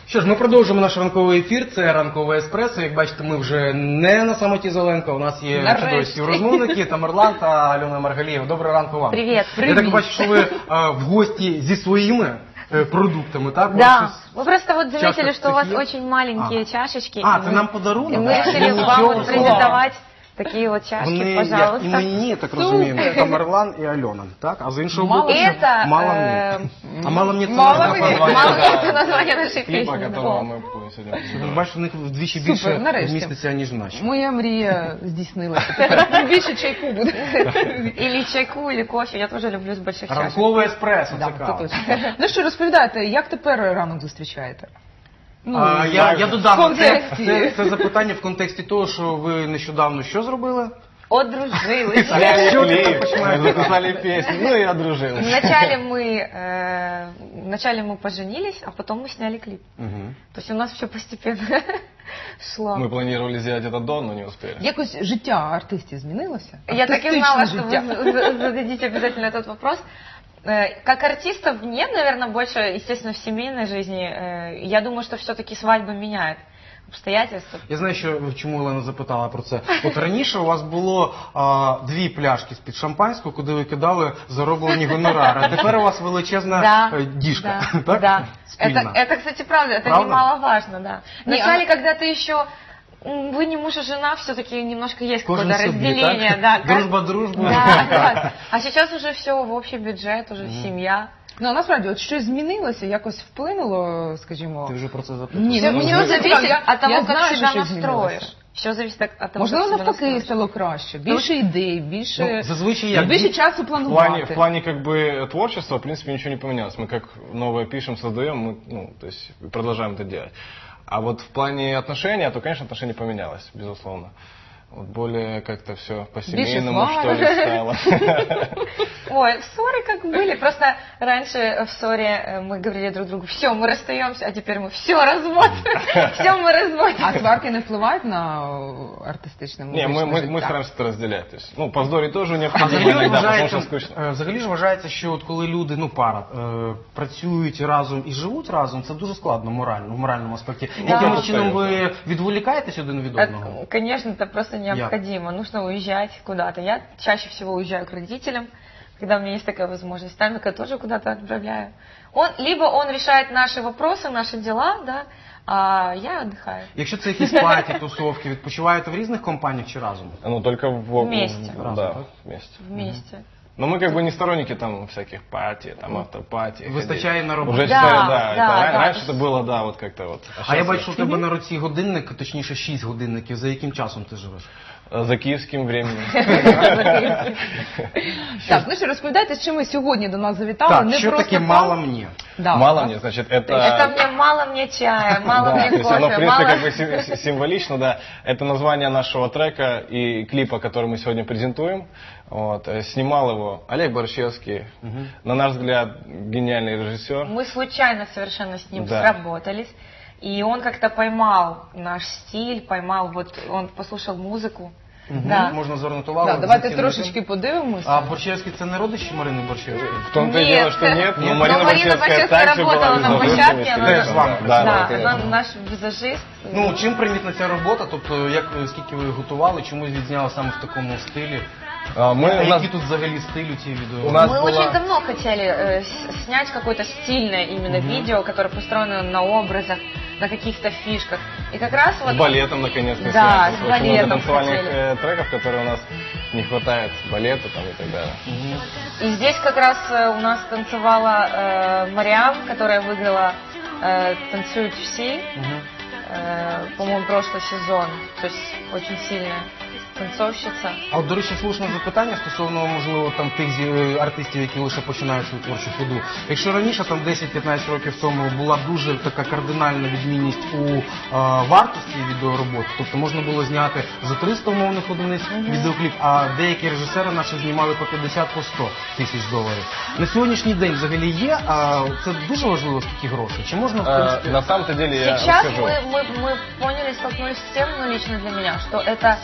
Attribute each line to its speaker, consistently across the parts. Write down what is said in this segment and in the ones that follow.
Speaker 1: Що ж, ми продовжуємо наш ранковий ефір, це ранкове еспресо. Як бачите, ми вже не на самоті Зеленко, у нас є чудові співрозмовники, Тамерлан та Альона Маргалієва. Доброго ранку вам.
Speaker 2: Привіт.
Speaker 1: Я так бачу, що ви в гості зі своїми продуктами, так?
Speaker 2: Да, мы просто вот заметили, что у вас очень маленькие чашечки.
Speaker 1: Это нам подарунок?
Speaker 2: И мы решили вам вот презентовать такие вот чашки, пожалуйста.
Speaker 1: І мені, так розуміємо, Тамерлан і Альона, так? А з іншого боку, мало мені. А мало мені
Speaker 2: це названня нашої пісні.
Speaker 3: Которого мы будем сегодня.
Speaker 1: Бачиш, у них вдвічі більше вміститься, ніж наші.
Speaker 4: Моя мрія здійснилася. Більше чайку буде.
Speaker 2: Или чайку, или кофе. Я тоже люблю з больших чашек.
Speaker 1: Ранкове еспресо, це кава.
Speaker 4: Ну що, розповідайте, як тепер ранок зустрічаєте?
Speaker 1: Я додам, це запитання в контексті того, що ви нещодавно що зробили?
Speaker 2: Одружились.
Speaker 3: Записали песню, ну и одружились.
Speaker 2: Вначале мы поженились, а потом мы сняли клип. То есть у нас все постепенно шло.
Speaker 3: Мы планировали сделать это до, но не успели.
Speaker 4: Якось життя артистів змінилося?
Speaker 2: Я так и знала, что вы зададите обязательно этот вопрос. Как артистов нет, наверное, больше, естественно, в семейной жизни. Я думаю, что все-таки свадьба меняет обстоятельства.
Speaker 1: Я знаю, що чому Олена запитала про це. От раніше у вас було 2 пляшки з-під шампанського, куди ви кидали зароблені гонорари. А тепер у вас величезна діжка.
Speaker 2: Да. Это, кстати, правда. Это немаловажно, да. Вначале, когда ты еще... Вы не муж и жена, все-таки немножко есть какое-то разделение. Да,
Speaker 1: дружба.
Speaker 2: Да. А сейчас уже все в общий бюджет, уже семья.
Speaker 4: Ну, насправді, от щось змінилося, якось вплинуло, скажімо...
Speaker 1: Ти вже про це запитав?
Speaker 4: Ні,
Speaker 2: все зависит от того, как себя настроишь. Все зависит от того,
Speaker 4: можливо, навпаки стало краще, більше ідей, більше часу планувати.
Speaker 3: В плане как бы творчества, в принципе, ничего не поменялось. Мы как новое пишем, создаем, мы, то есть продолжаем это делать. А вот в плане отношений, то, конечно, отношение поменялось, безусловно. Вот более как-то все по-семейному, что ли, стало.
Speaker 2: Ой, ссоры как были. Просто раньше в ссоре мы говорили друг другу: все, мы расстаемся, а теперь мы все, развод. Все, мы разводимся.
Speaker 4: А сварки не впливають на артистичне музичне життя?
Speaker 3: Не, мы стараемся это разделять. То есть, ну, по здоров'ю тоже необходимо иногда, потому что скучно.
Speaker 1: Взагалі ж вважається, що от коли люди, пара, працюють разом і живуть разом, це дуже складно морально, в моральному аспекті. Яким чином ви відволікаєтесь один від одного?
Speaker 2: Конечно, это просто необходимо. Нужно уезжать куда-то. Я чаще всего уезжаю к родителям, когда у меня есть такая возможность. Тамика тоже куда-то отправляю. Либо он решает наши вопросы, наши дела, да, а я отдыхаю.
Speaker 1: Якщо це якісь паті, тусовки, відпочиваєте в різних компаніях чи разом?
Speaker 3: Ну, только
Speaker 2: вместе.
Speaker 3: Да, вместе.
Speaker 2: Вместе.
Speaker 3: Но мы как бы не сторонники там всяких пати, там автопати.
Speaker 1: Вистачає на роботу.
Speaker 3: Уже да. Раньше это было, да, вот как-то вот.
Speaker 1: А я бачу, у тебе на руці годинник, точніше 6 годинників. За яким часом ти живеш?
Speaker 3: За київським временем.
Speaker 4: Так, ну що, розповідайте, з чим ви сьогодні до нас завітали.
Speaker 1: Так, що таке «мало мне»?
Speaker 3: Мало мне, значит, это...
Speaker 2: Это мне мало мне чая, мало мне кофе,
Speaker 3: оно, в принципе, как бы символично, да. Это название нашего трека и клипа, который мы сегодня презентуем. Вот. Снимал его Олег Борщевский, на наш взгляд, гениальный режиссер.
Speaker 2: Мы случайно совершенно с ним сработались. И он как-то поймал наш стиль, он послушал музыку.
Speaker 1: Да. Можна звернути увагу.
Speaker 4: Давайте трошечки подивимося.
Speaker 1: А Борщевський це не родичі Марини Борщевської?
Speaker 3: В том-то и дело, что нет.
Speaker 2: Но Марина Борщевская работала на площадке. Она наш визажист.
Speaker 1: Ну, чим примітна ця робота? Тобто, скільки ви готували, чомусь відзняли саме в такому стилі? Які тут взагалі стиль у цій відео?
Speaker 2: Мы очень давно хотели снять какое-то стильное именно видео, которое построено на образах, на каких-то фишках. И как раз вот...
Speaker 3: С балетом, наконец-то, снять.
Speaker 2: Да, с балетом
Speaker 3: танцевальных треков, которые у нас не хватает, балета там и так далее.
Speaker 2: И здесь как раз у нас танцевала Мариам, которая выиграла «Танцуют все», по-моему, прошлый сезон. То есть очень сильная танцовщиця.
Speaker 1: А от, до речі, слушне запитання стосовно, можливо, там тих артистів, які лише починають свою творчу ходу. Якщо раніше, там 10-15 років тому, була дуже така кардинальна відмінність у вартості відеороботи, тобто можна було зняти за 300 умовних одиниць відеокліп, а деякі режисери наші знімали по 50, по 100 тисяч доларів. На сьогоднішній день взагалі є, а це дуже важливо, скільки грошей? Чи можна, в принципі...
Speaker 3: На самом-то деле, я
Speaker 2: сейчас
Speaker 3: расскажу.
Speaker 2: мы поняли, столкнулись с тем, лично для меня, что это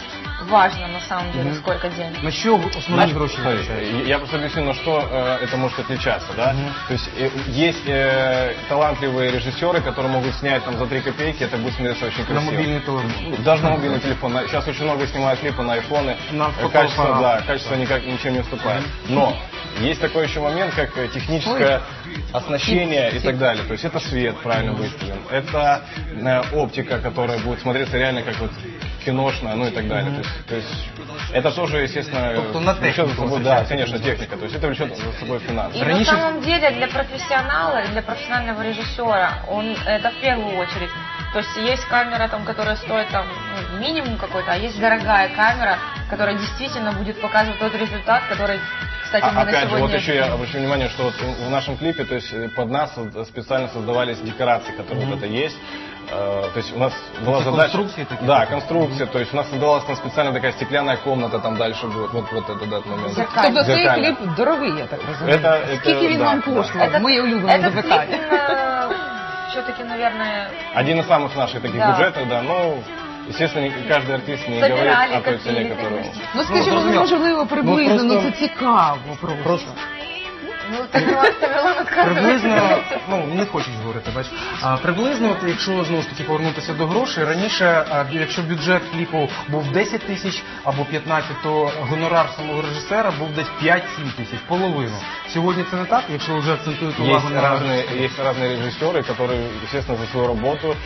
Speaker 2: важно на самом деле, сколько денег.
Speaker 1: На що основні гроші
Speaker 3: Смотри,
Speaker 1: витрачають?
Speaker 3: я просто объясню, на что это может отличаться, да? То есть есть талантливые режиссеры, которые могут снять там за 3 копейки, это будет смотреться очень
Speaker 1: На
Speaker 3: красиво.
Speaker 1: мобільний телефон.
Speaker 3: Даже на мобильный телефон. Сейчас очень много снимают клипы на айфоны.
Speaker 1: На
Speaker 3: Качество,
Speaker 1: фотоаппарат.
Speaker 3: да, качество никак ничем не уступает. Но есть такой еще момент, как техническое оснащение и так далее. То есть это свет правильно выставлен, это оптика, которая будет смотреться реально как вот киношная, ну и так далее. То есть это тоже, естественно,
Speaker 1: Тобто на
Speaker 3: влечет за
Speaker 1: техніку
Speaker 3: собой, да,
Speaker 1: витрачається.
Speaker 3: конечно, техника. То есть это влечет за собой финансы.
Speaker 2: И на самом деле для профессионала, для профессионального режиссера, это в первую очередь. То есть есть камера, там, которая стоит там, минимум какой-то, а есть дорогая камера, которая действительно будет показывать тот результат, который, кстати, мы на
Speaker 3: Опять же,
Speaker 2: сегодня...
Speaker 3: вот еще я обращу внимание, что вот в нашем клипе, то есть под нас специально создавались декорации, которые вот это есть. То есть у нас была
Speaker 1: Это
Speaker 3: задача...
Speaker 1: конструкции такие?
Speaker 3: Да, конструкция. То есть у нас создавалась там специально такая стеклянная комната там дальше будет. Вот это да, момент.
Speaker 4: Тобто цей
Speaker 3: Зеркальна.
Speaker 4: кліп дорогий, я так розумію.
Speaker 3: Это-
Speaker 4: Скільки він
Speaker 3: да,
Speaker 4: вам
Speaker 3: да.
Speaker 4: коштував? Моє улюблене
Speaker 2: Этот
Speaker 4: запитання.
Speaker 2: клип все-таки, наверное,
Speaker 3: Один из самых наших таких
Speaker 2: Да.
Speaker 3: бюджетов, да. Ну, естественно, каждый артист не
Speaker 2: собирали
Speaker 3: говорит о той цене,
Speaker 2: копили,
Speaker 3: которую...
Speaker 2: конечно.
Speaker 4: Ну скажімо,
Speaker 1: зрозуміло.
Speaker 4: можливо, приблизно,
Speaker 1: Ну,
Speaker 4: ну
Speaker 1: просто-
Speaker 4: це цікаво просто.
Speaker 2: Ну, Тамерлан отказывается.
Speaker 1: Приблизно, ну не хочуть говорити, бач. Приблизно, от, якщо знову ж таки повернутися до грошей, раніше, якщо бюджет кліпу був 10 тисяч або 15, то гонорар самого режисера був десь 5-7 тисяч, половину. Сьогодні це не так, якщо вже акцентують увагу
Speaker 3: Есть
Speaker 1: на
Speaker 3: разные режиссеры, которые, естественно, за свою работу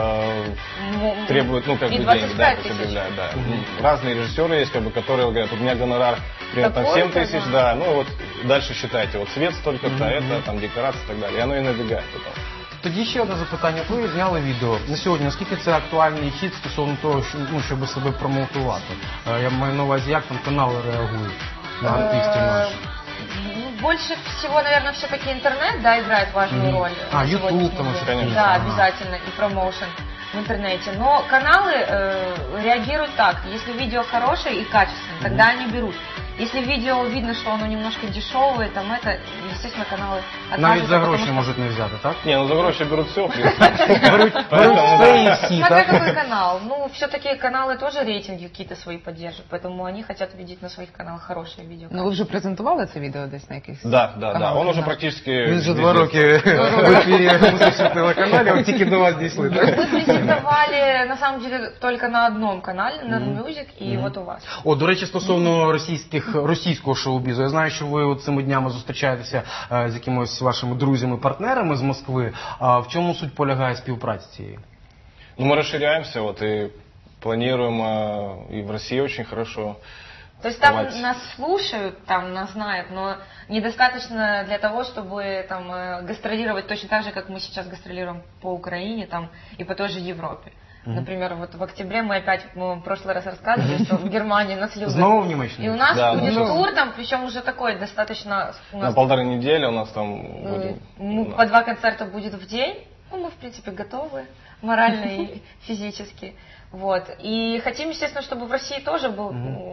Speaker 3: требуют, ну, как
Speaker 2: И
Speaker 3: бы
Speaker 2: 25
Speaker 3: деньги, да, то
Speaker 2: тысяч.
Speaker 3: есть объявляют, да. Разные режиссеры есть, как бы, которые говорят, у меня гонорар, например, там 7
Speaker 2: Такой-то,
Speaker 3: тысяч,
Speaker 2: да.
Speaker 3: да, ну вот дальше считайте, вот свет столько-то, это, там, декорации и так далее, и оно и набегает потом.
Speaker 1: Тоді ще одне запитання. Ви зняли відео на сьогодні. Наскільки це актуальний хід стосовно того, щоб себе промоутувати? Я маю на увазі, як там канали реагують на артистів наших?
Speaker 2: Ну, больше всего, наверное, все-таки интернет, да, играет важную роль.
Speaker 1: А,
Speaker 2: на
Speaker 1: YouTube
Speaker 2: сегодняшний
Speaker 1: там
Speaker 2: день.
Speaker 1: еще,
Speaker 3: конечно.
Speaker 2: Да,
Speaker 1: Ага.
Speaker 2: обязательно, и промоушен в интернете. Но каналы реагируют так. Если видео хорошее и качественное, тогда они берут. Если видео видно, что оно немножко дешевое, там это, естественно, каналы
Speaker 1: Навіть
Speaker 2: откажутся,
Speaker 1: за
Speaker 2: потому
Speaker 1: гроші
Speaker 2: что-
Speaker 1: можуть не взяти, так?
Speaker 3: Не, ну за гроши берут все, в принципе.
Speaker 1: Беруть все і всі,
Speaker 2: Смотря
Speaker 1: так?
Speaker 2: какой канал. Ну, все-таки каналы тоже рейтинги какие-то свои поддерживают, поэтому они хотят видеть на своих каналах хорошие видео.
Speaker 4: Ну ви вже презентували це відео десь на якихось?
Speaker 3: Да, да, да,
Speaker 4: каналах?
Speaker 3: он уже
Speaker 4: Да.
Speaker 3: практически...
Speaker 1: Він вже
Speaker 3: везде.
Speaker 1: 2 роки в ефірі музичного телеканалі, от тільки до вас дійшли. так?
Speaker 2: Мы презентовали, на самом деле, только на одном канале, на Music, и вот у вас.
Speaker 1: О, до речі, стосовно російського шоу-бізу, я знаю, що ви от цими днями зустрічаєтеся з якимось вашими друзями-партнерами з Москви. В чому суть полягає співпраці цієї?
Speaker 3: Ну, мы расширяемся, вот, и планируем, и в России очень хорошо.
Speaker 2: То есть там
Speaker 3: Давайте.
Speaker 2: нас слушают, там нас знают, но недостаточно для того, чтобы там гастролировать точно так же, как мы сейчас гастролируем по Украине там, и по той же Европе. Например, вот в октябре мы опять, мы в прошлый раз рассказывали, что в Германии нас любят.
Speaker 1: Знову в Німеччині?
Speaker 2: И у нас
Speaker 3: Да,
Speaker 2: будет
Speaker 3: ну,
Speaker 2: тур там, причем уже такой достаточно... У
Speaker 3: На
Speaker 2: нас
Speaker 3: 1,5 недели у нас там будем...
Speaker 2: по 2 концерта будет в день. Ну, мы, в принципе, готовы морально и физически. Вот. И хотим, естественно, чтобы в России тоже был,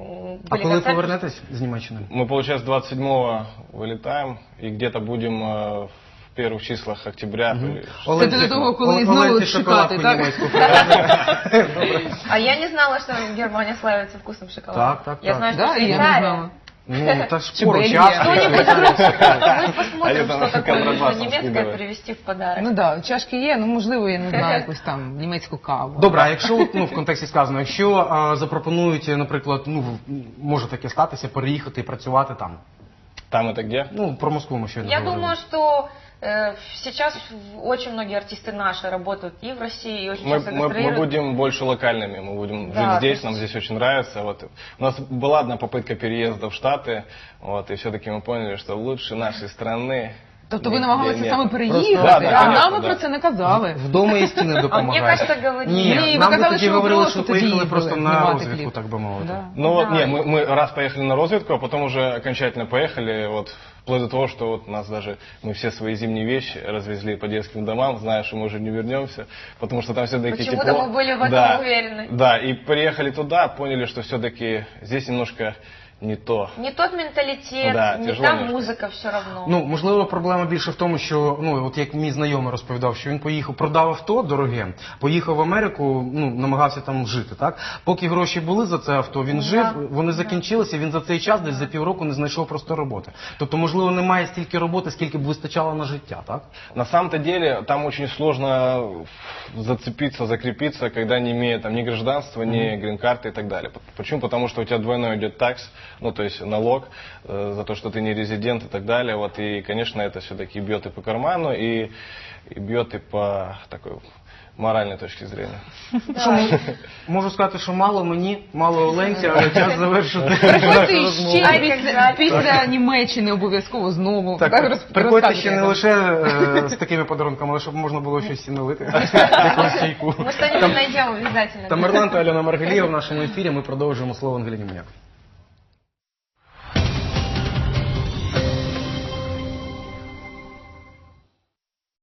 Speaker 1: А
Speaker 2: были
Speaker 1: коли
Speaker 2: концерты.
Speaker 1: повернетесь з Німеччини?
Speaker 3: Мы, получается, 27-го вылетаем, и где-то будем в первых числах октября.
Speaker 4: Це до того, коли знову шукати, так?
Speaker 2: А я не знала, что Германия славится вкусным шоколадом.
Speaker 1: Так, так,
Speaker 2: Я
Speaker 1: так.
Speaker 2: знаю, что
Speaker 4: Да, і я не
Speaker 2: Швейцария.
Speaker 4: знала.
Speaker 1: Ну, та ж скоро
Speaker 4: Бельгія.
Speaker 1: час.
Speaker 2: Кто-нибудь мы посмотрим,
Speaker 3: А
Speaker 2: что
Speaker 3: это
Speaker 2: такое нужно
Speaker 3: контрабасом
Speaker 2: немецкое
Speaker 3: скидывают.
Speaker 2: привезти в подарок.
Speaker 4: Ну так, чашки є, ну можливо, я не знаю, якусь там німецьку каву.
Speaker 1: Добре, а якщо от, в контексті сказано, якщо запропонують, наприклад, може таке статися, переїхати і працювати там.
Speaker 3: Там это где?
Speaker 1: Ну, про Москву ми ще не
Speaker 2: Я
Speaker 1: говорили.
Speaker 2: думаю, что сейчас очень многие артисты наши работают и в России, и очень часто
Speaker 3: Мы
Speaker 2: гастролируют.
Speaker 3: будем больше локальными, мы будем
Speaker 2: Да,
Speaker 3: жить здесь,
Speaker 2: то
Speaker 3: нам
Speaker 2: есть-
Speaker 3: здесь очень нравится. Вот. У нас была одна попытка переезда в Штаты, вот, и все-таки мы поняли, что лучше нашей страны.
Speaker 4: Тобто ви
Speaker 3: нигде
Speaker 4: намагалися
Speaker 3: нет.
Speaker 4: саме
Speaker 3: Просто-
Speaker 4: переїхати,
Speaker 3: Да,
Speaker 4: а
Speaker 3: конечно,
Speaker 4: нам ви
Speaker 3: да.
Speaker 4: про це не казали.
Speaker 1: Вдома і стіни допомагають.
Speaker 2: кажется, говорили.
Speaker 1: Ні,
Speaker 4: Ні, ви
Speaker 1: нам би
Speaker 4: казали,
Speaker 1: тоді
Speaker 4: що ви
Speaker 1: говорили,
Speaker 4: просто
Speaker 1: що
Speaker 4: тоді
Speaker 1: поїхали
Speaker 4: їхали
Speaker 1: просто на
Speaker 4: знімати
Speaker 1: розвідку,
Speaker 4: кліп.
Speaker 1: так би мовити.
Speaker 4: Да.
Speaker 3: Ну вот,
Speaker 2: Да.
Speaker 3: не, мы раз поехали на разведку, а потом уже окончательно поехали, вот, вплоть до того, что вот нас даже, мы все свои зимние вещи развезли по детским домам, зная, что мы уже не вернемся, потому что там все-таки
Speaker 2: Почему-то
Speaker 3: тепло.
Speaker 2: мы были в этом
Speaker 3: Да,
Speaker 2: уверены.
Speaker 3: Да, и приехали туда, поняли, что все-таки здесь немножко не то.
Speaker 2: Не тот менталітет,
Speaker 3: Да,
Speaker 2: не
Speaker 3: тяжело
Speaker 2: та
Speaker 3: немножко.
Speaker 2: музика все равно.
Speaker 1: Ну, можливо, проблема більше в тому, що, ну, от як мій знайомий розповідав, що він поїхав, продав авто дороге, поїхав в Америку, ну, намагався там жити, так? Поки гроші були за це авто, він жив, вони закінчилися, він за цей час, десь за півроку не знайшов просто роботи. Тобто, можливо, немає стільки роботи, скільки б вистачало на життя, так?
Speaker 3: На самом-то деле, там очень сложно зацепиться, закрепиться, когда не имея там ни гражданства, ни грин-карты и так далее. Почему? Потому что у тебя двойной идет такс, ну, то есть налог за то, что ты не резидент и так далее. Вот, и, конечно, это все-таки бьет и по карману, и бьет и по такой моральной точки зрения.
Speaker 1: Можу сказати, що мало мені, мало Оленці, але час завершити.
Speaker 4: Приходьте ще після Німеччини обов'язково знову.
Speaker 1: Приходьте ще не лише з такими подарунками, але щоб можна було щось і налити. Якусь чайку.
Speaker 2: Ми що-нибудь знайдемо обов'язково.
Speaker 1: Тамерлан та Альона Маргалієва в нашому ефірі. Ми продовжуємо слово Ангеліні Муняк.